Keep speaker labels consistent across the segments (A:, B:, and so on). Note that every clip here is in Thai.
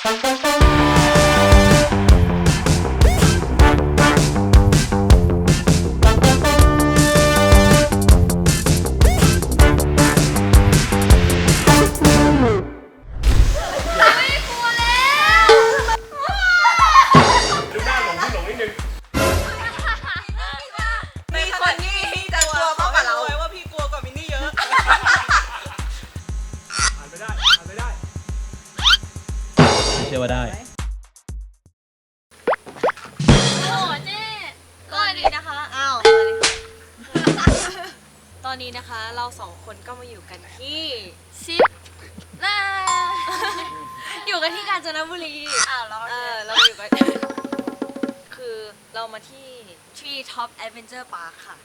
A: เชื่อว่าได้
B: โอ้เจ๊ก็ดีนะคะอ้าวตอนนี้นะคะเราสองคนก็มาอยู่กันที่ซิปอยู่กันที่กาญจนบุรีเราอยู่กันคือเรามาที่ Tree Top Adventure Park ค่ะ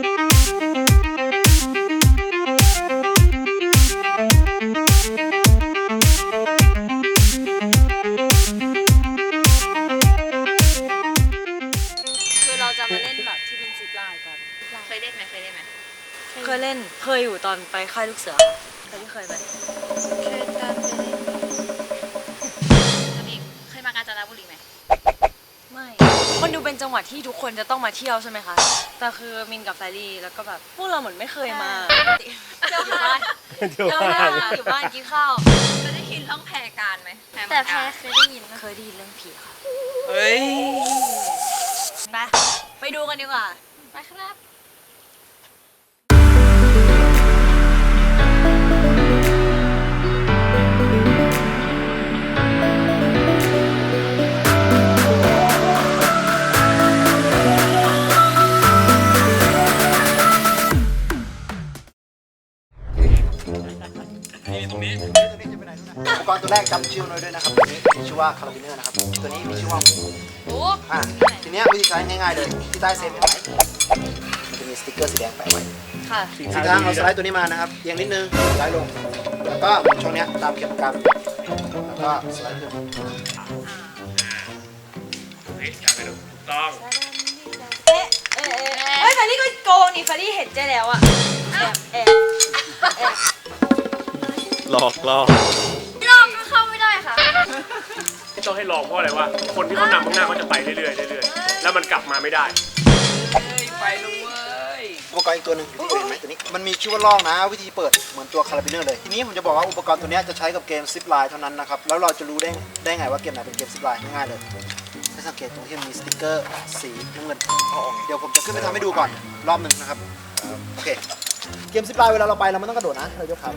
B: จะมาเล่นแบบที่เป็นซิปไลน์กันเคยเล่นไหมเคยเล่นเคยอยู่ตอนไปค่ายลูกเสือเคยไหมเคยการไปเล่นตัวเองเคยมากาญจนบุรีไหมไม่มันดูเป็นจังหวัดที่ทุกคนจะต้องมาเที่ยวใช่ไหมคะแต่คือมินกับแฟรี่แล้วก็แบบพวกเราเหมือนไม่เคยมาเที่ยวบ้านอยู่บ้านกินข้าวเคยได้ยินเรื่องแพรการไหมแต่แพรเคยได้ยินเรื่องผีค่ะเฮ้ยไปดูกันดีกว่าไปครับ
C: อุปกรณ์ตัวแรกจำชื่อหน่อยด้วยนะครับตัวนี้มีชื่อว่าคาราบิเนอร์นะครับตัวนี้มีชื่อว่าทีนี้วิธีใช้ง่ายๆเลยที่ใต้เซฟเห็นไหมมันจะมีสติ๊กเกอร์สีแดงแปะไว้
B: ค่ะ
C: สีทางเราสไลด์ตัวนี้มานะครับเอียงนิดนึงสไลด์ลงแล้วก็ช่องนี้ตามเข็มกลัดแล้วก็สไลด์ขึ้น
A: อยากไปดูถูกต้อง
B: เฮ้ยฟารี่ก็โกงนี่ฟารี่เห็นเจ๊แล้วอะแอบ
A: หลอก
B: ลองก็เข้าไม่ได้ค่ะ
A: ที่ต้องให้ลองเพราะอะไรวะคนที่เขานำข้างหน้าเขาจะไปเรื่อยๆแล้วมันกลับมาไม่ได้
C: ไปเลยอุปกรณ์อีกตัวหนึ่งที่เห็นไหมตัวนี้มันมีชื่อว่าล่องนะวิธีเปิดเหมือนตัวคาราบิเนอร์เลยทีนี้ผมจะบอกว่าอุปกรณ์ตัวนี้จะใช้กับเกมซิปไลน์เท่านั้นนะครับแล้วเราจะรู้ได้ไงว่าเกมไหนเป็นเกมซิปไลน์ง่ายๆเลยให้สังเกตตรงที่มันมีสติ๊กเกอร์สีน้ำเงินเดี๋ยวผมจะขึ้นไปทำให้ดูก่อนรอบหนึ่งนะครับโอเคเกมซิปไลน์เวลาเราไปเราไม่ต้องกระโดดนะเรายกขา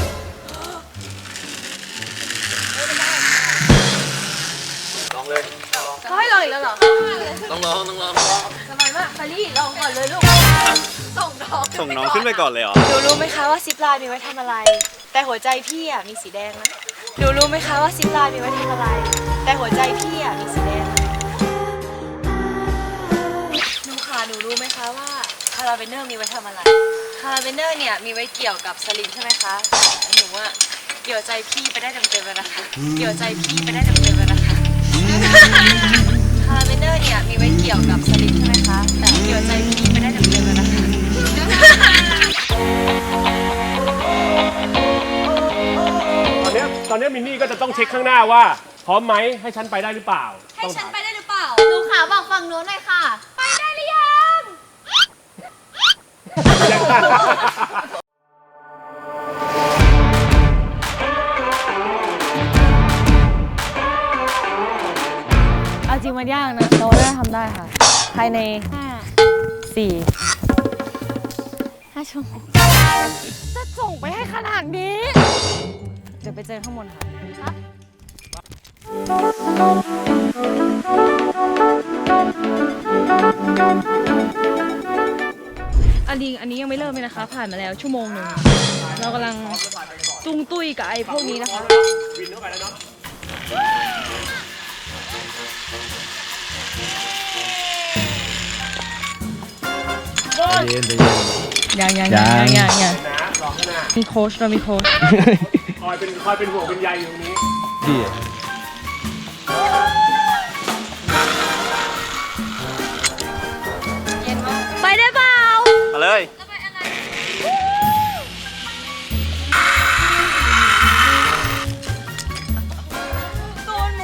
C: ลองเลย
B: เขาให้ลองอีกแล้วเหรอ
A: ต้องลอง
B: ทำไมมากฟารี่ลองก่อนเลยลูกส่ง
A: น้องขึ้นไปก่อนเลยเหรอ
B: หนูรู้ไหมคะว่าซิปไลน์มีไว้ทำอะไรแต่หัวใจพี่อ่ะมีสีแดงนะหนูรู้ไหมคะว่าซิปไลน์มีไว้ทำอะไรแต่หัวใจพี่อ่ะมีสีแดงหนูรู้ไหมคะว่าคาราเบเนอร์มีไว้ทำอะไรคาราเบเนอร์เนี่ยมีไว้เกี่ยวกับสลิงใช่ไหมคะหนูว่าเกี่ยวใจพี่ไปได้เต็มๆเลยนะคะเกี่ยวใจพี่ไปได้เต็มๆเลยนะคะคาราเบเนอร์เนี่ยมีไว้เกี่ยวกับสลิงใช่ไหมคะแต่เกี่ยวใจพี่ไปได้เต็มๆเลยนะคะ
A: ตอนนี้มินนี่ก็จะต้องเช็คข้างหน้าว่าพร้อมไหมให้ฉันไปได้หรือเปล่า
B: ให้ฉันไปได้หรือเปล่าดูขาบอกฝั่งโน้นหน่อยค่ะไปได้หรือยัง
D: เอาจริงมันยากนะเราได้ทำได้ค่ะภายใน5 ชั่วโมงจะส่งไปให้ขนาดนี้เดี๋ยวไปเจอข้างบนค่ะอันนี้ยังไม่เริ่มเลยนะคะผ่านมาแล้วชั่วโมงหนึ่งเรากำลังตุ้งตุ้ยกับไอ้พวกนี้นะคะ
A: วินเข้าไปแล้วเนาะ
D: ยังมีโค้ชเรามีโค้ช
A: คอยเป็นห่วงเป็นใยอยู่ตรงนี้
D: ดีไปได้เปล่า
A: มาเลย
B: ตูนหม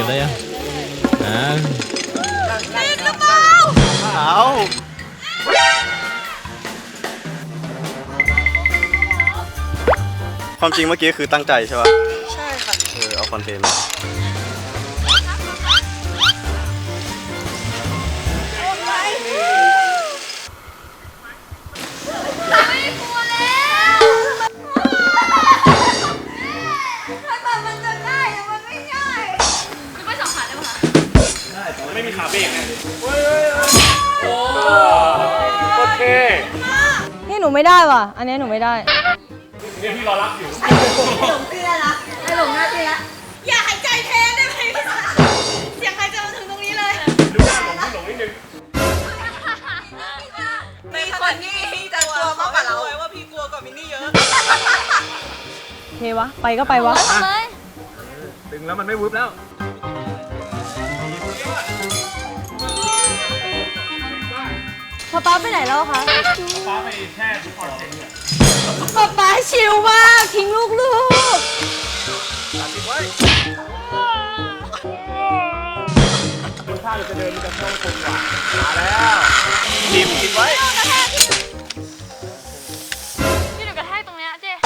E: ก็บได้ยัง
C: เอา
F: ความจริงเมื่อกี้คือตั้งใจใช่ป่ะ
B: ใช่ค่ะ
F: เอาคอนเทนต์
A: ไม่มีขาเบรกไงโอเค
D: นี่หนูไม่ได้ว่ะ อันนี้หนูไม่ได้
A: เนี่ยพี่รอรับอยู่
B: อย่าหายใจแทนได้ไหมเสียงหายใจมาถึงตรงนี้เลย
A: ดูหน้าหลงพี่หลงนิดนึง
B: มีคนที่จะกลัวมากกว่าเราว่าพี่กลัวกว่ามินนี่เยอะ
D: เทวะ ไปก็ไปวะ
E: ดึงแล้วมันไม่วึบแล้ว
D: ป๊าไปไหนแล้วคะ
A: ฟ้าไปแช่ทุกคนเซ็งเนี่ย
D: ป๊าชิลมากทิ้งลูก
A: ดูท่าจะเดินจะเข้าตรงกว่ามาแล้วทีมคิดไว้
D: ที่หนูกระแทกตรงเนี้ยเจ๊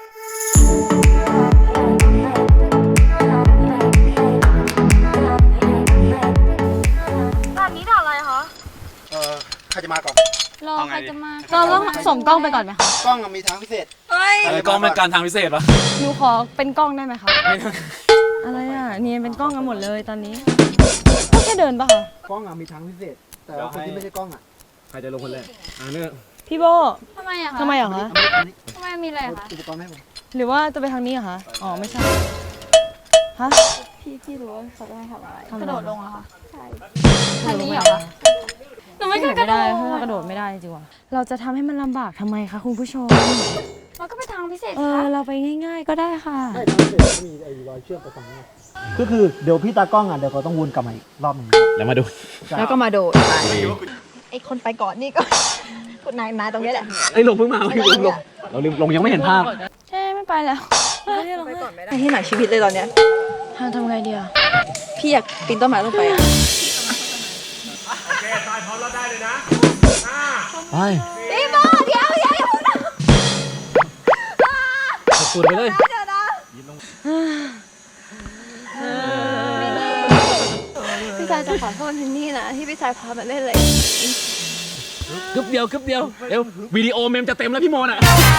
D: ด่านนี้ด่านอะไรคะ
C: ใครจะมาก่อน
D: รอใครจะมาเราต้องส่งกล้องไปก่อนไหมคะ
C: กล้องมีทางพิเศษ
E: กล้องเป็นการทางพิเศษปะ
D: หนูขอเป็นกล้องได้ไหมคะอะไรอ่ะเนียนเป็นกล้องกันหมดเลยตอนนี้ก็แค่เดินปะคะ
C: กล้องมีทางพิเศษ แต่ว่าคนที่ไม่ใช่กล้อง
E: ใครจะลงคนแรกเนี่ย
D: พี่โบ
G: ทำไมอะคะ
D: ทำไมเหรอคะ
G: ทำไมมีอะไรอะคะ
C: อุปกรณ์ให้ผม
D: หรือว่าจะไปทางนี้เหรอคะอ๋อไม่ใช่ฮะ
G: พี่รู้ว่าเขาจะให้ทำอะไร
D: ทำ
G: ก
D: อ
G: ระ
D: ไ
G: โดดลงเหรอคะ ใช่
D: ทางนี้เหรอคะ
G: หนูไม่เคยกระโดด
D: ถ้ากระโดดไม่ได้จริงๆว่ะเราจะทำให้มันลำบากทำไมคะคุณผู้ชม
G: มันก็เป็นทางพิเศษ
D: เอ
G: ค่ะ
D: อเราไปง่าย ๆ ก็ได้ค่ะ
C: ใช่ทางพิเศษมีไอ้รอยเชือกไปฝั่งนี้ก็คือเดี๋ยวพี่ตากล้องเดี๋ยวเขาต้องวนกลับมาอีกรอบหนึ่ง
E: แล้วมาดู
G: แล้วก็มาโดดไอคนไปก่อนนี่ก็ คุณนายมาตรงนี้แหละ
E: ไอ้ลงเพิ่งมาเราลืมลงยังไม่เห็นภาพ
D: ใช่ไม่ไปแล้ว
G: ไอที่หนักชีวิตเลยตอนเนี้ย
D: ทำไงดีอ่ะ
G: พี่อยากปีนต้นไม้ลงไปอะ
A: โอเคตายพร้อมแล้วได้เลยนะ5
E: ไป
G: พี่โบเดี๋ยวอย่าพูดนะ
E: ขอบคุณไปเลย
G: พี่ชายจะขอโทษทินนี่นะที่พี่ชายพามาเล่นเลย
E: กึบเดียวเร็ววิดีโอเมมจะเต็มแล้วพี่โมน่ะ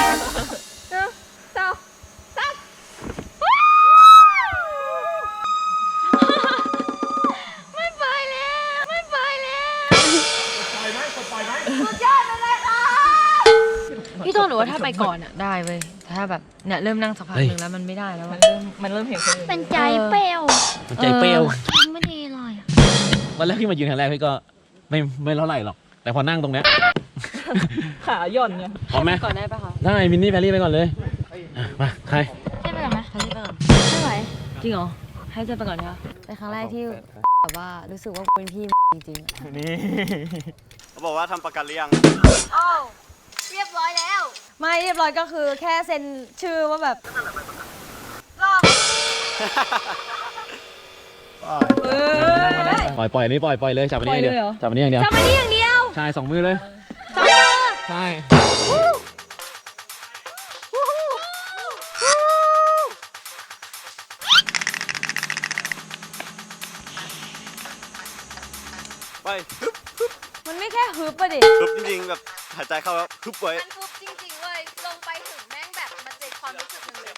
G: ไม่ไปแล้วไม่ไปแล้ว
A: ปล่อยไหมกดปล่อยไหม
G: สุดยอดเลยค่ะ
D: พี่โตหนูว่าถ้าไปก่อนอ่ะได้เว้ยแต่ถ้าแบบเนี่ยเริ่มนั่งสักพักหนึ่งแล้วมันไม่ได้แล้วมันเริ่มเห็นคนอื่น
G: เป็นใจเปรี้ยว
E: มันใจเปรี้ยว
G: ไม่ดีเลยอะ
E: วันแรกพี่มายืนครั้งแรกพี่ก็ไม่เท่าไหร่หรอก แต่พอนั่งตรงเนี้ย
D: ขาย่อนไง
E: พร้อมไหม
D: ก่อนได้ปะคะ
E: ได้มินนี่แพรรี่ไปก่อนเลยอ่ะมาใคร
G: ใช่ไปก่อนไหม
D: ให้ไปก่อน
G: ไม่ไหว
D: จริงเหรอให้เจอไปก่อนเนี่ยเป็นครั้งแรกที่แบบว่ารู้สึกว่าเป็นพี่จริงๆ
F: นี่เขาบอกว่าทำประกันหรือยัง
G: โอ้เรียบร้อยแล้ว
D: ไม่เรียบร้อยก็คือแค่เซ็นชื่อว่าแบบ
E: ปล่อยอันนี้ปล่อยเลยจับอันนี้อย่างเดียวจับอันนี้อย่างเดียว
D: จำไม่ได้อย่างเดียว
E: ใช่2 มือเลยใช่
F: ไปฮึบ
D: มันไม่แค่ฮึบปะดิ
F: ฮึบจริงๆแบบหายใจเข้าแล้วฮึบไว้
G: มันปุ๊บจริงๆเลยลงไปถึงแม่งแบบมันเจ็บความรู้สึกหนึ่งเลย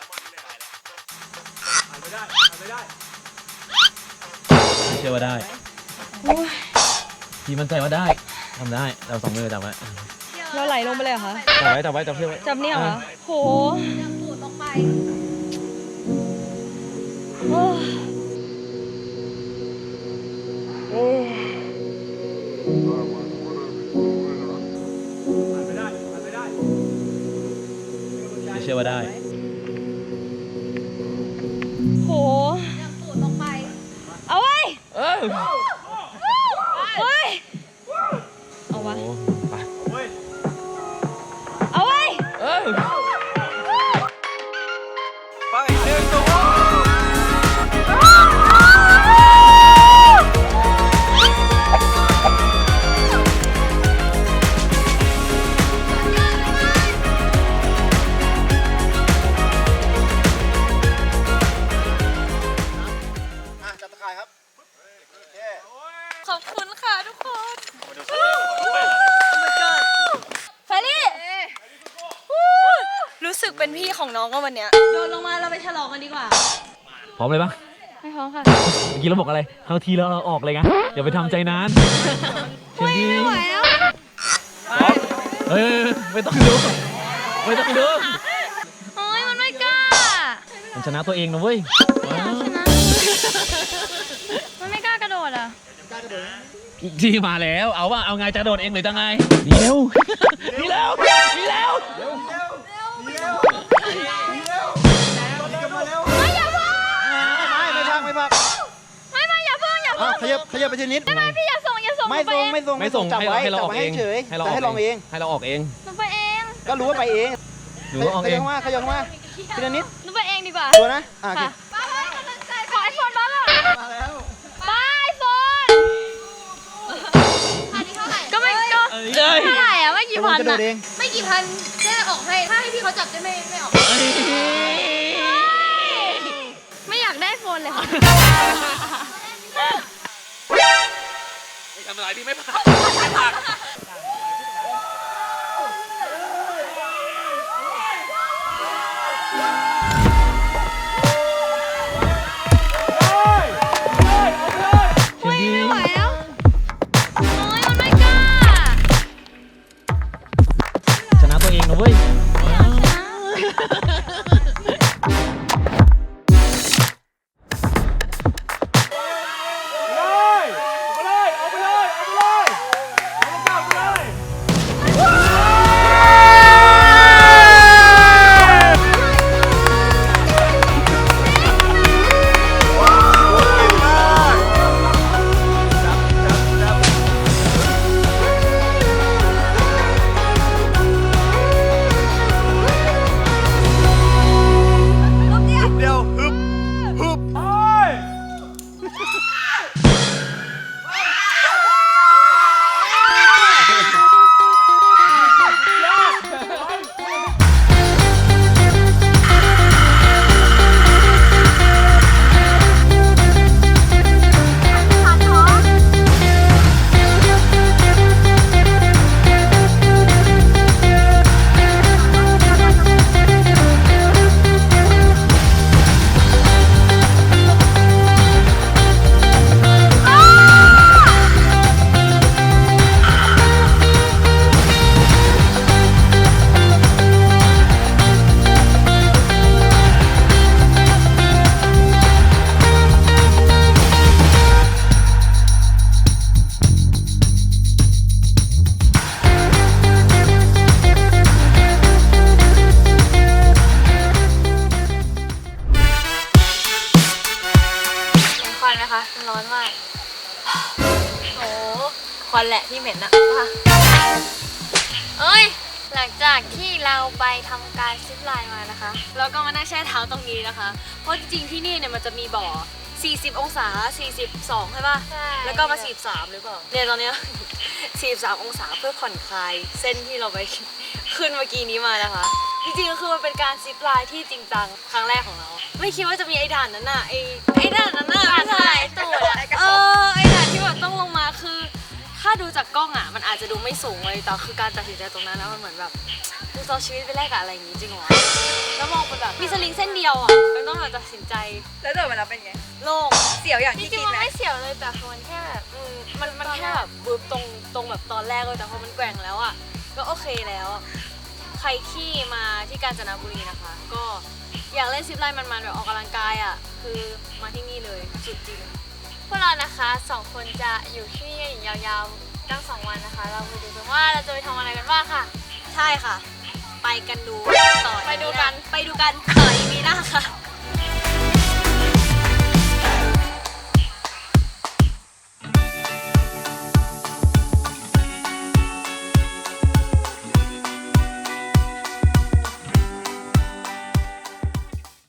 E: เชื่อว่าได้พี่มั่นใจว่าได้ทำได้เรา2 มือจับไว้
D: เราไหลลงไปเลยเหรอคะ
E: จับไว้จับเชือกไว้
D: จับเนี่ยเหรอโห
G: ปูดลงไป
E: เชื่อว่าได้
D: โห
G: ปูดลงไป
D: เอาไว้
E: เออ
D: เฮ้ยเอาวะ
E: โอ้ไป
D: เอาไว้
E: เออ
F: ไปเดินตัว
B: องก็วันเนี้ยโดนลงมาเราไปฉลองกันดีกว่า
E: พร้อมเลยปะ
D: ไม่พร้อมค่ะ
E: เมื่อกี้เราบอกอะไรเข้าทีแล้วเราออกเลยไงอย่าไปทำใจนานเชิญดี
D: ไม่ไหวแล้ว
E: เฮ้ยไม่ต้องดูไม่ต้องดู
D: โอ้ยมันไม่กล้า
E: มันชนะตัวเองนะเว้ย
D: ชนะมันไม่กล้ากระโดดอ่ะ
E: จีมาแล้วเอาว่าเอาไงจะโดดเองหรือจะไงหนีเร็วหนีเร็วหนีเร็ว
C: ไม่พัก
D: ไม่อย่าเพิ่งอย่าเพิ่ง
C: ขยับไปทีนิด
D: พี่อย่าส่ง
C: ไม่
D: หนูไป
C: ส่ง
D: เอง
C: ไม่ส่งจับไว้
E: ให้เรา
C: จับ
E: ออก
C: ไว้
E: เอง
C: เฉย
E: ให้เรา
C: แต่ให้ลองเอง
E: ให้เราออกเอง
D: หนูไปเอง
C: ก็รู้ว่าไปเอง
E: หนูออก
C: ข
E: เอ
C: ยับ
E: ง
C: เข้ามาขยับเข้ามาทีละนิด
D: หนูไปเองดีกว่า
C: ตัวนะโอเค
D: ค่ะขอไอโฟนบ้างอ่ะบายไอโฟนก็ไม่ก็
E: เอ้ย
D: เท่าไหร่อ่ะไม่กี่พัน
C: กระโด
D: อ่ะ
C: ดเอง
B: ไม่กี่พันแค่ออกให้ถ้าให้พี่เขาจับจะไม่ออก
D: ไม่อยากได้โฟนเลยค่ะ
E: ทำอะไรพี่ไม่ผ่านไม่ผ่าน
D: ไม่ไหวแล้วโอ้ยมันไม่กล้า
E: ชนะตัวเองนะเว้ย
F: เดียวฮึบฮึบ
B: เห็นควันไหมคะมันร้อนมากโอ้ควันแหละที่เหม็นอะค่ะ
D: เอ้ย หลังจากที่เราไปทำการซิปไลน์มานะคะ เราก็มานั่งแช่เท้าตรงนี้นะคะ เพราะจริงๆที่นี่เนี่ยมันจะมีบ่อ 40 องศา 42 ใช่ป่ะ
B: ใช่
D: แล้วก็มา 43 หรือเปล่า เนี่ยตอนเนี้ย 43 องศาเพื่อผ่อนคลายเส้นที่เราไป ขึ้นเมื่อกี้นี้มานะคะ จริงๆก็คือมันเป็นการซิปไลน์ที่จริงจังครั้งแรกของเรา ไม่คิดว่าจะมีไอ้ด่านนั้นน่ะ ไอ้ด่านนั้นน่ะ
B: ด่าน
D: ไม่ใช่
B: ถ่ายตูดอะ
D: ไอ้ด่านที่แบบต้องลงมาคือ ถ้าดูจากกล้องอ่ะมันอาจจะดูไม่สูงเลยแต่คือการตัดสินใจตรงนั้นนะมันเหมือนแบบดูเอาชีวิตไปแลกกับอะไรอย่างงี้จริงเหรอแล้วมองเป็นแบบมีสลิงเส้นเดียวอ่ะมันต้องแบบตัดสินใจ
B: แล้วเดินมาแล้วเป็นไง
D: โล่ง
B: เสียวอย่าง
D: จ
B: ที่
D: ริ
B: คิ
D: ง
B: ด
D: ๆมัน
B: ไหม
D: ไม่เสียวเลยแต่คือมันแค่แบบมันแค่แบบบึ้บตรงแบบตอนแรกเลยแต่พอมันแกว่งแล้วอ่ะก็โอเคแล้วใครที่มาที่กาญจนบุรีนะคะ ก็อยากเล่นซิปไลน์มันๆแบบออกกำลังกายอ่ะคือมาที่นี่เลยสุดจริง พวกเรานะคะ2 คนจะอยู่ที่นี่กันยาวๆตั้ง2 วันนะคะ เราไปดูกันว่าเราจะไปทำอะไรกันบ้างค่ะ ใช่ค่ะ ไปกันดูต่อไปดูกันต่ออีพีหน้าค่ะ